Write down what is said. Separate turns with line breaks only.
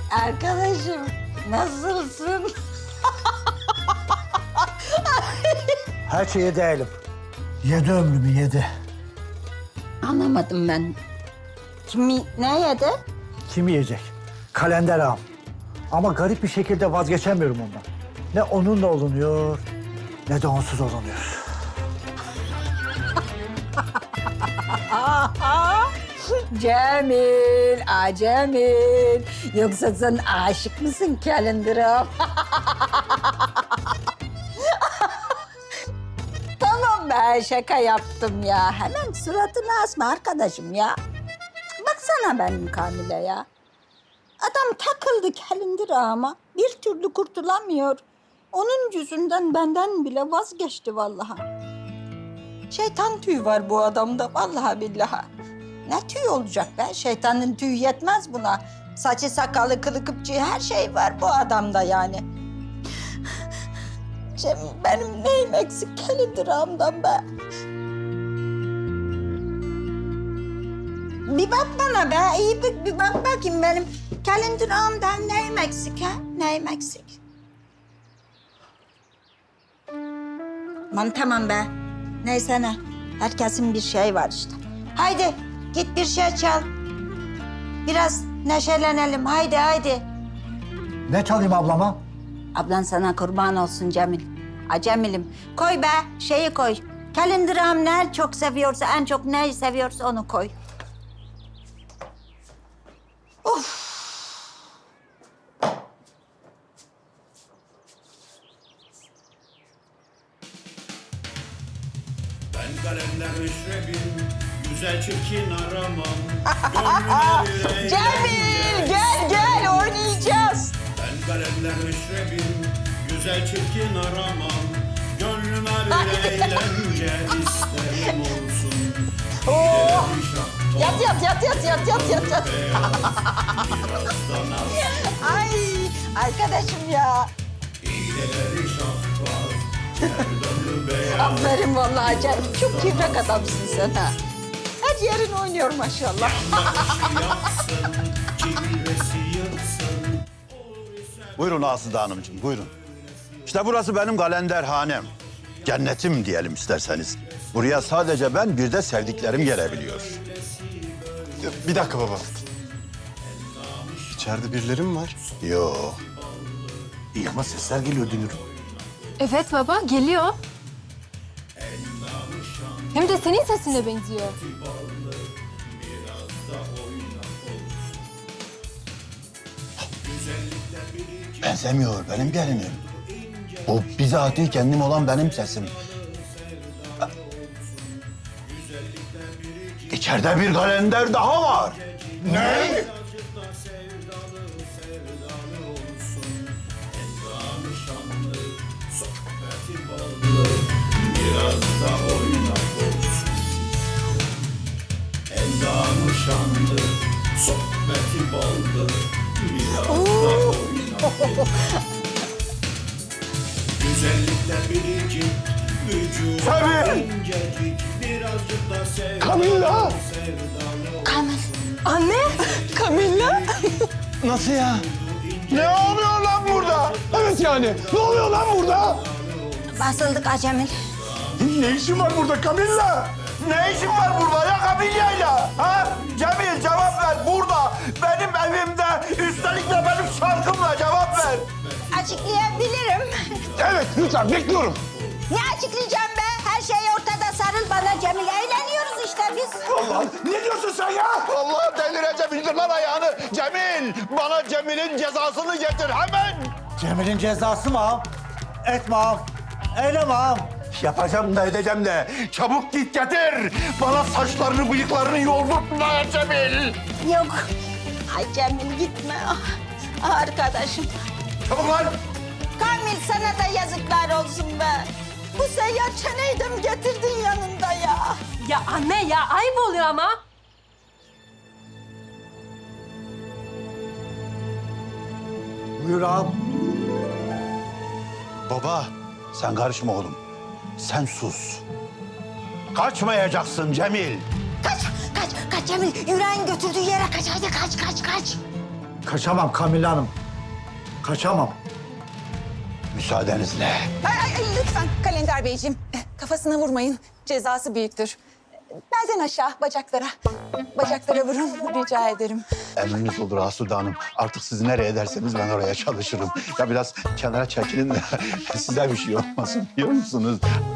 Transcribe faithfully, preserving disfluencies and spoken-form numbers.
Arkadaşım nasılsın?
Her şeyi değilim. Yedi ömrümü yedi.
Anlamadım ben. Kimi ne yedi?
Kim yiyecek? Kalender ağam. Ama garip bir şekilde vazgeçemiyorum ondan. Ne onunla olunuyor, ne de onsuz olunuyor.
Cemil, aa Cemil. Yoksa sen aşık mısın Calendar'a? Tamam be, şaka yaptım ya. Hemen suratını asma arkadaşım ya. Baksana benim Kamil'e ya. Adam takıldı Calendar'a ama bir türlü kurtulamıyor. Onun yüzünden benden bile vazgeçti vallahi. Şeytan tüyü var bu adamda vallahi billahi. Ne tüy olacak be? Şeytanın tüyü yetmez buna. Saçı sakalı kılı kıpçığı her şey var bu adamda yani. Cem, benim neyim eksik Calendar'ımdan be? Bir bak bana be, iyi bir, bir bak bakayım benim Calendar'ımdan neyim eksik ha? Neyim eksik? Aman tamam be. Neyse ne. Herkesin bir şey var işte. Haydi git bir şey çal. Biraz neşelenelim. Haydi haydi.
Ne çalayım ablama?
Ablan sana kurban olsun Cemil. A Cemil'im. Koy be şeyi koy. Calendar'ım ne çok seviyorsa, en çok neyi seviyorsa onu koy. Of.
Ben kalender meşrebim, güzel çirkin aramam. Gönlüme bir
Cemil gel gel oynayacağız.
Ben kalender meşrebim, güzel çirkin aramam. Gönlüme bir eğlence isterim olsun.
Oh.
Bir şapka,
Yat yat yat yat yat yat yat yat.
biraz da naz.
Ay arkadaşım ya.
İğneleri şahbaz, gerdanlı beyaz.
Aferin vallahi Cemil. Çok kibrak adamsın sen ha. Her yerin oynuyor maşallah.
Başı yaksın, cilvesi yırtsın.
Buyurun Aslı Hanımcığım, buyurun. İşte burası benim kalenderhanem. Cennetim diyelim isterseniz. Buraya sadece ben, bir de sevdiklerim gelebiliyor.
Bir dakika baba. İçeride birileri mi var?
Yok.
İyi ama sesler geliyor dünür.
Evet baba, geliyor. Hem de senin sesine benziyor.
Benzemiyor, benim gelinim. O bizatihi kendim olan benim sesim. İçeride bir kalender daha var. Ne?
Biraz da oynak olsun. Endamı şanlı, sohbeti baldı. Biraz da oynak olsun. Güzellikte biricik, vücudu
Tabii.
incecik. Birazcık da sevdalı,
Kamilla!
sevdalı.
Kamil.
Anne, Kamilla.
Nasıl ya? Ne oluyor lan burada? Evet yani. Ne oluyor lan burada?
Basıldık ha Cemil.
Ne işin var burada Kamilla?
Ne işin var burada ya Kamilya'yla? Ha? Cemil cevap ver burada. Benim evimde, üstelik de benim şarkımla cevap ver.
Açıklayabilirim.
Evet lütfen bekliyorum.
Ne açıklayacağım be? Her şey ortada, sarıl bana Cemil. Eğleniyoruz işte biz.
Allah ne diyorsun sen ya?
Allah delireceğim, indir lan ayağını. Cemil, bana Cemil'in cezasını getir hemen.
Cemil'in cezası mı ağam? Etme ağam. Eyleme ağam.
Yapacağım da edeceğim de. Çabuk git getir. Bana saçlarını, bıyıklarını yoldurtma Cemil.
Yok. Ay Cemil gitme. Ah, arkadaşım.
Çabuk lan.
Kamil sana da yazıklar olsun be. Bu seyyar çeneyi de mi getirdin yanında ya?
Ya anne ya, ayıp oluyor ama.
Buyur ağam.
Baba, sen karışma oğlum. Sen sus. Kaçmayacaksın Cemil.
Kaç, kaç, kaç Cemil. Yüreğin götürdüğü yere kaç. Hadi kaç, kaç, kaç.
Kaçamam Kamile Hanım. Kaçamam.
Müsaadenizle.
Ay, ay, ay, lütfen Kalender Beyciğim. Kafasına vurmayın. Cezası büyüktür. Belden aşağı bacaklara. Bacaklara vurun rica ederim.
Emriniz olur Asude Hanım. Artık siz nereye derseniz ben oraya çalışırım. Ya biraz kenara çekilin de size bir şey olmasın biliyor musunuz?